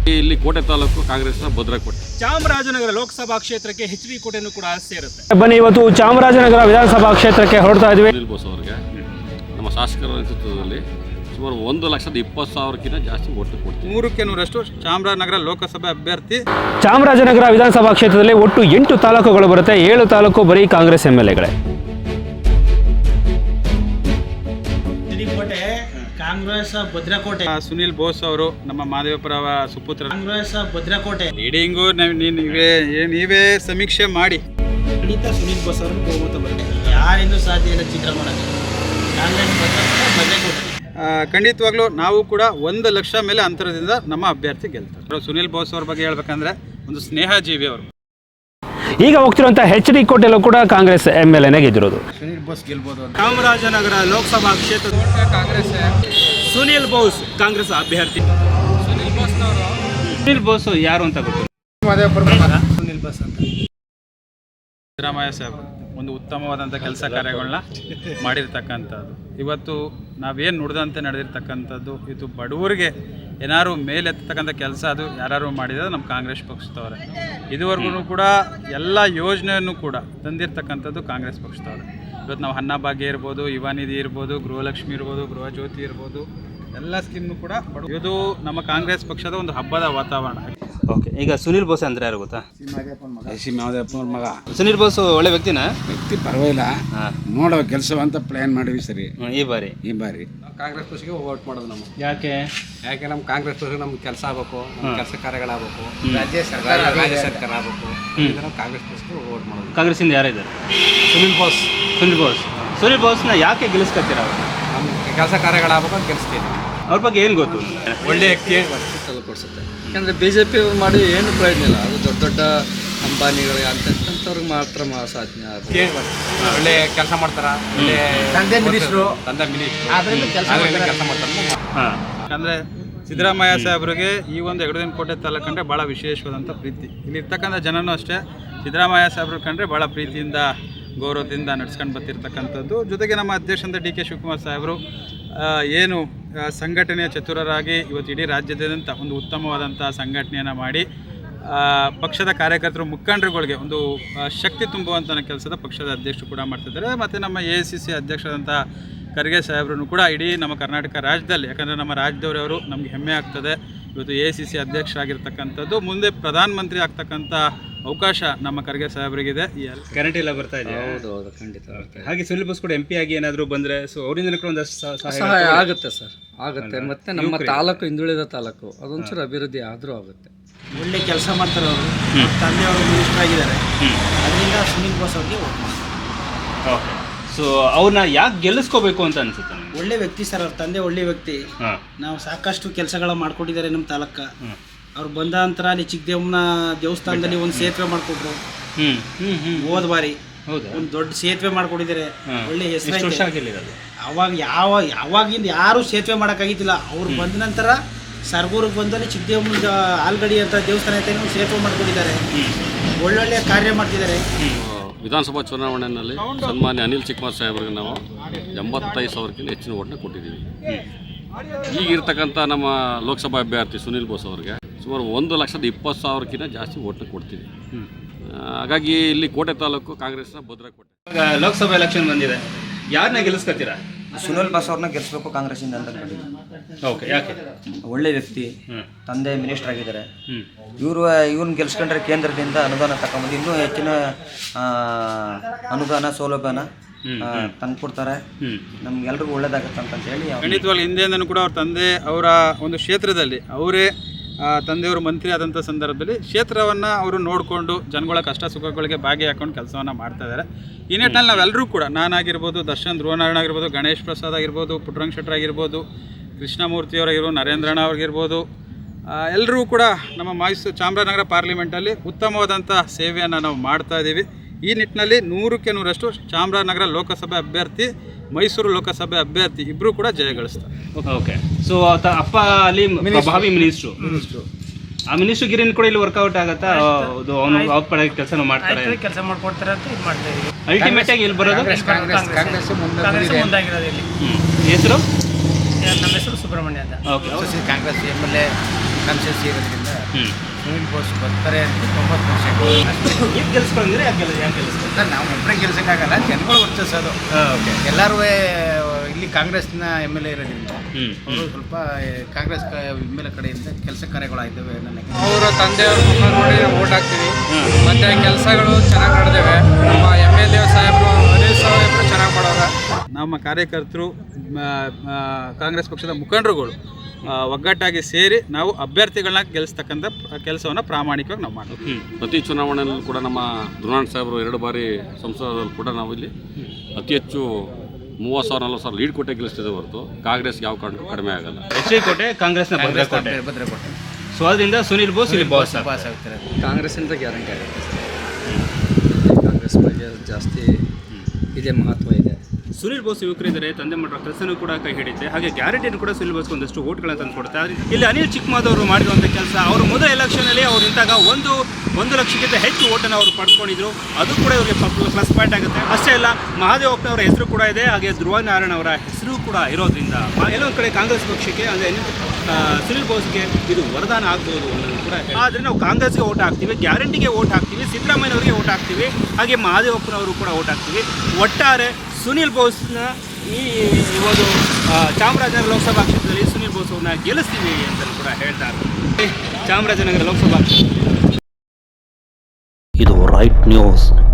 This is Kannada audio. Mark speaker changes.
Speaker 1: ಇಲ್ಲಿ ಕೋಟೆ ತಾಲೂಕು ಕಾಂಗ್ರೆಸ್ನ ಭದ್ರಕೋಟೆ.
Speaker 2: ಚಾಮರಾಜನಗರ ಲೋಕಸಭಾ ಕ್ಷೇತ್ರಕ್ಕೆ ಎಚ್.ಡಿ. ಕೋಟೆನೂ ಕೂಡ ಸೇರುತ್ತೆ.
Speaker 3: ಬನ್ನಿ, ಇವತ್ತು ಚಾಮರಾಜನಗರ ವಿಧಾನಸಭಾ ಕ್ಷೇತ್ರಕ್ಕೆ ಹೊರಡ್ತಾ ಇದ್ವಿ.
Speaker 1: ಸುನಿಲ್ ಬೋಸ್ ಅವರಿಗೆ ನಮ್ಮ ಶಾಸಕರ ನೇತೃತ್ವದಲ್ಲಿ ಸುಮಾರು 1,20,000ಕ್ಕಿಂತ ಜಾಸ್ತಿ ಓಟು ಕೊಡ್ತೀವಿ.
Speaker 4: 100% ಚಾಮರಾಜನಗರ ಲೋಕಸಭೆ ಅಭ್ಯರ್ಥಿ.
Speaker 3: ಚಾಮರಾಜನಗರ ವಿಧಾನಸಭಾ ಕ್ಷೇತ್ರದಲ್ಲಿ ಒಟ್ಟು 8 ತಾಲೂಕುಗಳು ಬರುತ್ತೆ. 7 ತಾಲೂಕು ಬರೀ ಕಾಂಗ್ರೆಸ್ MLAಗಳೇ.
Speaker 5: ಕಾಂಗ್ರೆಸ್ ಭದ್ರಕೋಟೆ.
Speaker 4: ಸುನಿಲ್ ಬೋಸ್ ಅವರು ನಮ್ಮ ಮಾದೇವಪುರ ಸುಪುತ್ರ.
Speaker 5: ಕಾಂಗ್ರೆಸ್ ಭದ್ರಕೋಟೆ
Speaker 4: ಲೀಡಿಂಗು ನೀವೇ ಸಮೀಕ್ಷೆ ಮಾಡಿ.
Speaker 5: ಖಂಡಿತ ಸುನಿಲ್ ಬೋಸ್ ಅವರನ್ನು ಬಹುಮತ ಬರುತ್ತೆ. ಯಾರಿಂದೂ ಸಾಧ್ಯ ಇಲ್ಲ ಚಿತ್ರ ಮಾಡೋದು. ಕಾಂಗ್ರೆಸ್ ಭದ್ರಕೋಟೆ
Speaker 4: ಖಂಡಿತವಾಗ್ಲೂ ನಾವು ಕೂಡ 1 ಲಕ್ಷ ಮೇಲೆ ಅಂತರದಿಂದ ನಮ್ಮ ಅಭ್ಯರ್ಥಿ ಗೆಲ್ತಾರೆ. ಸುನಿಲ್ ಬೋಸ್ ಅವ್ರ ಬಗ್ಗೆ ಹೇಳ್ಬೇಕಂದ್ರೆ ಒಂದು ಸ್ನೇಹ ಜೀವಿ ಅವರು.
Speaker 3: ಈಗ ಹೋಗ್ತಿರುವಂಥ ಎಚ್.ಡಿ. ಕೋಟೆಲ್ಲೂ ಕೂಡ ಕಾಂಗ್ರೆಸ್ MLAನೇ ಗೆದ್ದಿರೋದು.
Speaker 5: ಸುನಿಲ್ ಬೋಸ್ ಗೆಲ್ಬೋದು.
Speaker 2: ಚಾಮರಾಜನಗರ ಲೋಕಸಭಾ ಕ್ಷೇತ್ರ
Speaker 4: ಕಾಂಗ್ರೆಸ್.
Speaker 2: ಸುನಿಲ್ ಬೋಸ್ ಕಾಂಗ್ರೆಸ್ ಅಭ್ಯರ್ಥಿ. ಸುನಿಲ್ ಬೋಸ್ ಯಾರು ಅಂತ ಗೊತ್ತು?
Speaker 5: ಸುನಿಲ್ ಬೋಸ್ ಅಂತ.
Speaker 4: ಸಿದ್ದರಾಮಯ್ಯ ಸಾಹೇಬ್ ಒಂದು ಉತ್ತಮವಾದಂಥ ಕೆಲಸ ಕಾರ್ಯಗಳನ್ನ ಮಾಡಿರ್ತಕ್ಕಂಥದ್ದು. ಇವತ್ತು ನಾವೇನು ನುಡಿದಂತೆ ನಡೆದಿರ್ತಕ್ಕಂಥದ್ದು ಇದು ಬಡವರಿಗೆ ಏನಾದ್ರು ಮೇಲೆತ್ತಕ್ಕಂಥ ಕೆಲಸ ಅದು ಯಾರು ಮಾಡಿದ್ರೆ ನಮ್ಮ ಕಾಂಗ್ರೆಸ್ ಪಕ್ಷದವ್ರೆ. ಇದುವರೆಗೂ ಕೂಡ ಎಲ್ಲ ಯೋಜನೆಯನ್ನು ಕೂಡ ತಂದಿರ್ತಕ್ಕಂಥದ್ದು ಕಾಂಗ್ರೆಸ್ ಪಕ್ಷದವ್ರೆ. ಇವತ್ತು ನಾವು ಅನ್ನಭಾಗ್ಯ ಇರ್ಬೋದು, ಯುವ ನಿಧಿ ಇರ್ಬೋದು, ಗೃಹಲಕ್ಷ್ಮಿ ಇರ್ಬೋದು, ಗೃಹ ಜ್ಯೋತಿ ಇರ್ಬೋದು, ಎಲ್ಲ ಸ್ಕೀಮ್ನು ಕೂಡ ಇದು ನಮ್ಮ ಕಾಂಗ್ರೆಸ್ ಪಕ್ಷದ ಒಂದು ಹಬ್ಬದ ವಾತಾವರಣ.
Speaker 2: ಓಕೆ, ಈಗ ಸುನಿಲ್ ಬೋಸ್ ಅಂದ್ರೆ ಯಾರು ಗೊತ್ತಾ?
Speaker 6: ಮಾದೇವಪ್ಪನ ಮಗ.
Speaker 2: ಸುನಿಲ್ ಬೋಸ್ ಒಳ್ಳೆ ವ್ಯಕ್ತಿನಾ?
Speaker 6: ವ್ಯಕ್ತಿ ಪರವಾಗಿಲ್ಲ, ಮಾಡೋ ಕೆಲಸವಂತ ಪ್ಲಾನ್ ಮಾಡಿವಿ ಸರಿ.
Speaker 2: ಈ ಬಾರಿ
Speaker 6: ಕಾಂಗ್ರೆಸ್ ಪಕ್ಷಕ್ಕೆ ವೋಟ್ ಮಾಡೋದು ನಾವು.
Speaker 2: ಯಾಕೆ
Speaker 6: ನಮ್ಮ ಕಾಂಗ್ರೆಸ್ ಪಕ್ಷ ನಮ್ಗೆ ಕೆಲಸ ಆಗಬೇಕು, ನಮ್ಮ ಕೆಲಸ ಕಾರ್ಯಗಳಾಗಬೇಕು, ರಾಜ್ಯ ಸರ್ಕಾರ ಆಗಬೇಕು. ನಾವು ಕಾಂಗ್ರೆಸ್ ಪಕ್ಷಕ್ಕೆ ವೋಟ್ ಮಾಡೋದು.
Speaker 2: ಕಾಂಗ್ರೆಸ್ ಇಂದ ಯಾರಿದ್ದಾರೆ?
Speaker 6: ಸುನಿಲ್ ಬೋಸ್.
Speaker 2: ಸುನಿಲ್ ಬೋಸ್ನ ಯಾಕೆ ಗೆಲ್ಲಿಸ್ಕೊತೀರ?
Speaker 6: ನಮ್ಮ ಕೆಲಸ ಕಾರ್ಯಗಳಾಗಬೇಕು ಅಂತ ಗೆಲ್ಲಿಸ್ತೀವಿ.
Speaker 2: ಅವ್ರ ಬಗ್ಗೆ ಏನು ಗೊತ್ತು?
Speaker 6: ಒಳ್ಳೆ ವ್ಯಕ್ತಿ ತಲುಪಿಸುತ್ತೆ. ಯಾಕಂದರೆ BJP ಮಾಡಿ ಏನು ಪ್ರಯೋಜನ ಇಲ್ಲ. ಅದು ದೊಡ್ಡ ದೊಡ್ಡ ಅಂಬಾನಿಗಳು ಅಂತವ್ರಿಗೆ ಮಾತ್ರ ಸಾಧನೆ. ಒಳ್ಳೆ ಕೆಲಸ ಮಾಡ್ತಾರ, ಒಳ್ಳೆ ತಂದೆ ಮಿನಿಸ್ಟ್ರು ಕೆಲಸ ಮಾಡ್ತಾರೆ.
Speaker 4: ಯಾಕಂದರೆ ಸಿದ್ದರಾಮಯ್ಯ ಸಾಹೇಬ್ರಿಗೆ ಈ ಒಂದು ಎಗಡದಿನ ಕೋಟೆ ತಾಲೂಕು ಕಂಡ್ರೆ ಭಾಳ ವಿಶೇಷವಾದಂಥ ಪ್ರೀತಿ. ಇಲ್ಲಿರ್ತಕ್ಕಂಥ ಜನನೂ ಅಷ್ಟೇ ಸಿದ್ದರಾಮಯ್ಯ ಸಾಹೇಬ್ರ ಕಂಡ್ರೆ ಭಾಳ ಪ್ರೀತಿಯಿಂದ ಗೌರವದಿಂದ ನಡ್ಸ್ಕೊಂಡು ಬರ್ತಿರ್ತಕ್ಕಂಥದ್ದು. ಜೊತೆಗೆ ನಮ್ಮ ಅಧ್ಯಕ್ಷಂತ DK ಶಿವಕುಮಾರ್ ಸಾಹೇಬರು ಏನು ಸಂಘಟನೆಯ ಚತುರರಾಗಿ ಇವತ್ತು ಇಡೀ ರಾಜ್ಯದಾದ್ಯಂತ ಒಂದು ಉತ್ತಮವಾದಂಥ ಸಂಘಟನೆಯನ್ನು ಮಾಡಿ ಪಕ್ಷದ ಕಾರ್ಯಕರ್ತರು ಮುಖಂಡರುಗಳಿಗೆ ಒಂದು ಶಕ್ತಿ ತುಂಬುವಂಥ ಕೆಲಸದ ಪಕ್ಷದ ಅಧ್ಯಕ್ಷರು ಕೂಡ ಮಾಡ್ತಿದ್ದಾರೆ. ಮತ್ತು ನಮ್ಮ AICC ಅಧ್ಯಕ್ಷರಾದಂಥ ಖರ್ಗೆ ಸಾಹೇಬ್ರೂ ಕೂಡ ಇಡೀ ನಮ್ಮ ಕರ್ನಾಟಕ ರಾಜ್ಯದಲ್ಲಿ, ಯಾಕಂದರೆ ನಮ್ಮ ರಾಜ್ಯದವರವರು ನಮಗೆ ಹೆಮ್ಮೆ ಆಗ್ತದೆ. ಇವತ್ತು AICC ಅಧ್ಯಕ್ಷರಾಗಿರ್ತಕ್ಕಂಥದ್ದು, ಮುಂದೆ ಪ್ರಧಾನಮಂತ್ರಿ ಆಗ್ತಕ್ಕಂಥ ಅವಕಾಶ ನಮ್ಮ ಖರ್ಗೆ ಸಾಹೇಬ್ರಿಗಿದೆ.
Speaker 2: ಗ್ಯಾರಂಟಿ ಎಲ್ಲ ಬರ್ತಾ ಇದೆ.
Speaker 6: ಹೌದು, ಖಂಡಿತ.
Speaker 2: ಹಾಗೆ ಸುನಿಲ್ ಬೋಸ್ ಕೂಡ MP ಆಗಿ ಏನಾದರೂ ಬಂದರೆ ಸೊ ಅವರಿಂದ ಒಂದಷ್ಟು
Speaker 6: ಸಹಾಯ ಆಗುತ್ತೆ ಸರ್, ಆಗುತ್ತೆ. ಮತ್ತು ನಮ್ಮ ತಾಲೂಕು ಹಿಂದುಳಿದ ತಾಲೂಕು ಅದೊಂಚೂರು ಅಭಿವೃದ್ಧಿ ಆದರೂ ಆಗುತ್ತೆ.
Speaker 5: ಒಳ್ಳೆ ಕೆಲಸ ಮಾಡ್ತಾರೆ ಅವರು. ತಂದೆಯವರು ಮಿನಿಸ್ಟರ್ ಆಗಿದ್ದಾರೆ. ಅದರಿಂದ ಸುನಿಲ್ ಬೋಸ್ ಅವ್ರಿಗೆ ವೋಟ್ ಮಾಡ್ತಾರೆ.
Speaker 2: ಓಕೆ, ಸೊ ಅವ್ರನ್ನ ಯಾಕೆ ಗೆಲ್ಲಿಸ್ಕೋಬೇಕು ಅಂತ ಅನ್ಸುತ್ತೆ?
Speaker 5: ಒಳ್ಳೆ ವ್ಯಕ್ತಿ ಸರ್, ಅವ್ರ ತಂದೆ ಒಳ್ಳೆ ವ್ಯಕ್ತಿ. ನಾವು ಸಾಕಷ್ಟು ಕೆಲಸಗಳ ಮಾಡ್ಕೊಟ್ಟಿದ್ದಾರೆ ನಮ್ಮ ತಾಲೂಕ. ಅವ್ರು ಬಂದ ನಂತರ ಅಲ್ಲಿ ಚಿಕ್ಕದೇವನ ದೇವಸ್ಥಾನದಲ್ಲಿ ಒಂದು ಸೇತುವೆ ಮಾಡಿಕೊಟ್ರು. ಹೋದ ಬಾರಿ ಒಂದು ದೊಡ್ಡ ಸೇತುವೆ ಮಾಡ್ಕೊಟ್ಟಿದ್ದಾರೆ. ಒಳ್ಳೆ ಹೆಸರು. ಅವಾಗಿಂದ ಯಾರು ಸೇತುವೆ ಮಾಡೋಕ್ಕಾಗಿದ್ದಿಲ್ಲ. ಅವ್ರು ಬಂದ ನಂತರ ಸರ್ಗೂರಿಗೆ ಬಂದಲ್ಲಿ ಚಿಕ್ಕದೇವನ ಆಲ್ಗಡಿ ಅಂತ ದೇವಸ್ಥಾನ ಐತೆ, ಸೇತುವೆ ಮಾಡ್ಕೊಟ್ಟಿದ್ದಾರೆ. ಒಳ್ಳೊಳ್ಳೆ ಕಾರ್ಯ ಮಾಡ್ತಿದ್ದಾರೆ.
Speaker 1: ವಿಧಾನಸಭಾ ಚುನಾವಣೆಯಲ್ಲಿ ಸನ್ಮಾನ್ಯ ಅನಿಲ್ ಚಿಕ್ಕಮಾರ್ ಸಾಹೇಬ್ರಿಗೆ ನಾವು 85,000ಕ್ಕಿಂತ ಹೆಚ್ಚಿನ ಓಟನ್ನ ಕೊಟ್ಟಿದ್ದೀವಿ. ಈಗಿರ್ತಕ್ಕಂಥ ನಮ್ಮ ಲೋಕಸಭಾ ಅಭ್ಯರ್ಥಿ ಸುನಿಲ್ ಬೋಸ್ ಅವರಿಗೆ ಸುಮಾರು 1,20,000ಕ್ಕಿಂತ ಜಾಸ್ತಿ ಓಟನ್ನ ಕೊಡ್ತೀವಿ. ಹಾಗಾಗಿ ಇಲ್ಲಿ ಕೋಟೆ ತಾಲೂಕು ಕಾಂಗ್ರೆಸ್ನ ಭದ್ರಕೋಟೆ.
Speaker 2: ಲೋಕಸಭಾ ಎಲೆಕ್ಷನ್ ಬಂದಿದೆ, ಯಾರನ್ನ ಗೆಲ್ಲಿಸ್ಕೊತೀರಾ?
Speaker 7: ಸುನಿಲ್ ಬೋಸ್ ಅವ್ರನ್ನ ಗೆಲ್ಲಿಸ್ಬೇಕು ಕಾಂಗ್ರೆಸ್ಸಿಂದ ಅಂತ.
Speaker 2: ಓಕೆ, ಯಾಕೆ?
Speaker 7: ಒಳ್ಳೆ ವ್ಯಕ್ತಿ, ತಂದೆ ಮಿನಿಸ್ಟರ್ ಆಗಿದ್ದಾರೆ. ಇವ್ರನ್ನ ಗೆಲ್ಸ್ಕೊಂಡ್ರೆ ಕೇಂದ್ರದಿಂದ ಅನುದಾನ ತಗೊಂಬಂದು ಇನ್ನೂ ಹೆಚ್ಚಿನ ಅನುದಾನ ಸೌಲಭ್ಯನ ತಂದ್ಕೊಡ್ತಾರೆ. ನಮ್ಗೆಲ್ರಿಗೂ ಒಳ್ಳೇದಾಗತ್ತೆ ಅಂತ ಹೇಳಿ.
Speaker 4: ಖಂಡಿತವಾಗ್ಲೂ ಹಿಂದೆಯಿಂದನೂ ಕೂಡ ಅವ್ರ ತಂದೆ ಅವರ ಒಂದು ಕ್ಷೇತ್ರದಲ್ಲಿ ಅವರೇ ತಂದೆಯವರು ಮಂತ್ರಿ ಆದಂಥ ಸಂದರ್ಭದಲ್ಲಿ ಕ್ಷೇತ್ರವನ್ನು ಅವರು ನೋಡಿಕೊಂಡು ಜನಗಳ ಕಷ್ಟ ಸುಖಗಳಿಗೆ ಭಾಗಿಯಾಕೊಂಡು ಕೆಲಸವನ್ನು ಮಾಡ್ತಾ ಇದ್ದಾರೆ. ಈ ನಿಟ್ಟಿನಲ್ಲಿ ನಾವೆಲ್ಲರೂ ಕೂಡ, ನಾನಾಗಿರ್ಬೋದು, ದರ್ಶನ್ ಧ್ರುವನಾರಾಯಣ ಆಗಿರ್ಬೋದು, ಗಣೇಶ್ ಪ್ರಸಾದ್ ಆಗಿರ್ಬೋದು, ಪುಟ್ಟರಂಗ ಶೆಟ್ಟರ್ ಆಗಿರ್ಬೋದು, ಕೃಷ್ಣಮೂರ್ತಿಯವರಾಗಿರ್ಬೋದು, ನರೇಂದ್ರಣ್ಣ ಅವ್ರಿಗಿರ್ಬೋದು, ಎಲ್ಲರೂ ಕೂಡ ನಮ್ಮ ಚಾಮರಾಜನಗರ ಪಾರ್ಲಿಮೆಂಟಲ್ಲಿ ಉತ್ತಮವಾದಂಥ ಸೇವೆಯನ್ನು ನಾವು ಮಾಡ್ತಾ ಇದ್ದೀವಿ. ಈ ನಿಟ್ಟಿನಲ್ಲಿ 100% ಚಾಮರಾಜನಗರ ಲೋಕಸಭೆ ಅಭ್ಯರ್ಥಿ, ಮೈಸೂರು ಲೋಕಸಭೆ ಅಭ್ಯರ್ಥಿ ಇಬ್ಬರು ಕೂಡ ಜಯಗಳಿಸ್ತಾರೆ.
Speaker 2: ಓಕೆ, ಸೊ ಅಪ್ಪ ಅಲ್ಲಿ ಪ್ರಭಾವಿ ಮಿನಿಸ್ಟ್ರು, ಆ ಮಿನಿಸ್ಟ್ರು ಗಿರಿನ್ ಕೂಡ ಇಲ್ಲಿ ವರ್ಕೌಟ್ ಆಗುತ್ತಾ? ಅವನು ಅವ್ರ ಪಡೆ ಕೆಲಸ ಮಾಡ್ತಾರೆ,
Speaker 5: ಕೆಲಸ ಮಾಡ್ಕೊಡ್ತಾರೆ ಅಂತ ಇದು ಮಾಡ್ತಾ ಇದೀವಿ.
Speaker 2: ಅಲ್ಟಿಮೇಟ್ ಆಗಿ ಇಲ್ಲಿ ಬರೋದು
Speaker 5: ಕಾಂಗ್ರೆಸ್ ಮುಂದಾಗಿರೋದು ಇಲ್ಲಿ.
Speaker 2: ಹೆಸರು?
Speaker 5: ನಮ್ಮ ಹೆಸರು ಸುಬ್ರಹ್ಮಣ್ಯ ಅಂತ.
Speaker 2: ಓಕೆ,
Speaker 7: ಕಾಂಗ್ರೆಸ್ MLA
Speaker 5: ಕಾನ್ಶಿಯಸ್ ಇರೋದ್ರಿಂದ
Speaker 2: ಹ್ಞೂ
Speaker 5: ಸುನಿಲ್ ಬೋಸ್ ಬರ್ತಾರೆ ಅಂತ 90%.
Speaker 2: ಈಗ ಗೆಲ್ಸ್ಕೊಂಡ್ರೆ ಯಾಕೆ ಗೆಲ್ಲಿಸ್ತಾರೆ?
Speaker 5: ಸರ್ ನಾವು ಒಬ್ಬರೇ ಗೆಲ್ಸೋಕ್ಕಾಗಲ್ಲ, ಜನಗಳು ವರ್ತಿಸೋದು.
Speaker 2: ಓಕೆ.
Speaker 5: ಎಲ್ಲರೂ ಇಲ್ಲಿ ಕಾಂಗ್ರೆಸ್ನ ಎಮ್ ಎಲ್ ಎ ಇರೋದ್ರಿಂದ
Speaker 2: ಹ್ಞೂ
Speaker 5: ಅವರು ಸ್ವಲ್ಪ ಕಾಂಗ್ರೆಸ್ ಎಮ್ ಎಲ್ ಎ ಕಡೆಯಿಂದ ಕೆಲಸ ಕಾರ್ಯಗಳಾಗಿದ್ದಾವೆ ನನಗೆ.
Speaker 6: ಅವರ ತಂದೆಯವ್ರ ಮುಖ ನೋಡಿ ನಾವು ಓಟ್ ಹಾಕ್ತೀವಿ. ಮತ್ತು ಕೆಲಸಗಳು ಚೆನ್ನಾಗಿ ನಡೆದಿವೆ. ನಮ್ಮ ಎಮ್ ಎಲ್ ಎ ಸಾಹೇಬರು ಅನಿಲ್ ಸಾಹೇಬರು ಚೆನ್ನಾಗಿ ಮಾಡೋರ.
Speaker 4: ನಮ್ಮ ಕಾರ್ಯಕರ್ತರು ಕಾಂಗ್ರೆಸ್ ಪಕ್ಷದ ಮುಖಂಡರುಗಳು ಒಗ್ಗಟ್ಟಾಗಿ ಸೇರಿ ನಾವು ಅಭ್ಯರ್ಥಿಗಳನ್ನ ಗೆಲ್ಲಿಸ್ತಕ್ಕಂಥ ಕೆಲಸವನ್ನು ಪ್ರಾಮಾಣಿಕವಾಗಿ ನಾವು ಮಾಡ್ತೀವಿ.
Speaker 1: ಪ್ರತಿ ಚುನಾವಣೆಯಲ್ಲೂ ಕೂಡ ನಮ್ಮ ಧ್ರುವನಾರಾಯಣ ಸಾಹೇಬರು 2 ಬಾರಿ ಸಂಸದರಲ್ಲಿ ಕೂಡ ನಾವು ಇಲ್ಲಿ ಅತಿ ಹೆಚ್ಚು 30,000-40,000 ಲೀಡ್ ಕೊಟ್ಟೆ ಗೆಲ್ಲಿಸ್ತಿದೆ ಹೊರತು ಕಾಂಗ್ರೆಸ್ಗೆ ಯಾವ ಕಾರಣಕ್ಕೂ ಕಡಿಮೆ ಆಗಲ್ಲ.
Speaker 2: ಎಚ್ ಡಿ ಕೋಟೆ ಕಾಂಗ್ರೆಸ್ನ ಭದ್ರಕೋಟೆ.
Speaker 5: ಭದ್ರಕೋಟೆ
Speaker 2: ಸೊ ಅದರಿಂದ ಸುನಿಲ್ ಬೋಸ್ ಇಲ್ಲಿ ಬಾಸ್.
Speaker 5: ಪಾಸ್ ಆಗ್ತಾರೆ.
Speaker 6: ಕಾಂಗ್ರೆಸ್ಸಿಂದ ಗ್ಯಾರಂಟಿ ಆಗುತ್ತೆ ಸರ್. ಕಾಂಗ್ರೆಸ್ ಬಗ್ಗೆ ಜಾಸ್ತಿ ಇದೆ, ಮಹತ್ವ ಇದೆ.
Speaker 2: ಸುನಿಲ್ ಬೋಸ್ ಯುವಕರಿದ್ದಾರೆ, ತಂದೆ ಮಾಡಿರೋ ಕೆಲಸನೂ ಕೂಡ ಕೈ ಹಿಡಿಯುತ್ತೆ. ಹಾಗೆ ಗ್ಯಾರಂಟಿಯನ್ನು ಕೂಡ ಸುನಿಲ್ ಬೋಸ್ಗೆ ಒಂದಷ್ಟು ಓಟ್ಗಳನ್ನು ತಂದು ಕೊಡುತ್ತೆ. ಆದರೆ ಇಲ್ಲಿ ಅನಿಲ್ ಚಿಕ್ಕಮಾದವರು ಮಾಡಿರುವಂಥ ಕೆಲಸ, ಅವರು ಮೊದಲ ಎಲೆಕ್ಷನಲ್ಲಿ ಅವ್ರು ನಿಂತಾಗ 1 ಲಕ್ಷಕ್ಕಿಂತ ಹೆಚ್ಚು ಓಟನ್ನು ಅವರು ಪಡ್ಕೊಂಡಿದ್ರು. ಅದು ಕೂಡ ಇವರಿಗೆ ಪ್ಲಸ್ ಪಾಯಿಂಟ್ ಆಗುತ್ತೆ. ಅಷ್ಟೇ ಅಲ್ಲ, ಮಹಾದೇವಪ್ಪನವರ ಹೆಸರು ಕೂಡ ಇದೆ, ಹಾಗೆ ಧ್ರುವನಾರಾಯಣ ಅವರ ಹೆಸರು ಕೂಡ ಇರೋದ್ರಿಂದ ಎಲ್ಲೊಂದು ಕಡೆ ಕಾಂಗ್ರೆಸ್ ಪಕ್ಷಕ್ಕೆ ಅಂದರೆ ಸುನಿಲ್ ಬೋಸ್ಗೆ ಇದು ವರದಾನ ಆಗ್ಬೋದು ಅನ್ನೋದು ಕೂಡ. ಆದರೆ ನಾವು ಕಾಂಗ್ರೆಸ್ಗೆ ಓಟ್ ಹಾಕ್ತೀವಿ, ಗ್ಯಾರಂಟಿಗೆ ಓಟ್ ಹಾಕ್ತೀವಿ, ಸಿದ್ದರಾಮಯ್ಯನವರಿಗೆ ಓಟ್ ಹಾಕ್ತೀವಿ, ಹಾಗೆ ಮಹಾದೇವಪ್ಪನವರು ಕೂಡ ಓಟ್ ಹಾಕ್ತೀವಿ. ಒಟ್ಟಾರೆ ಸುನಿಲ್ ಬೋಸ್ನ ಈ ಒಂದು ಚಾಮರಾಜನಗರ ಲೋಕಸಭಾ ಕ್ಷೇತ್ರದಲ್ಲಿ ಸುನಿಲ್ ಬೋಸ್ ಅವ್ರನ್ನ ಗೆಲ್ಲಿಸ್ತೀವಿ ಅಂತ ಕೂಡ ಹೇಳ್ತಾರೆ. ಚಾಮರಾಜನಗರ ಲೋಕಸಭಾ
Speaker 8: ಇದು ರೈಟ್ ನ್ಯೂಸ್.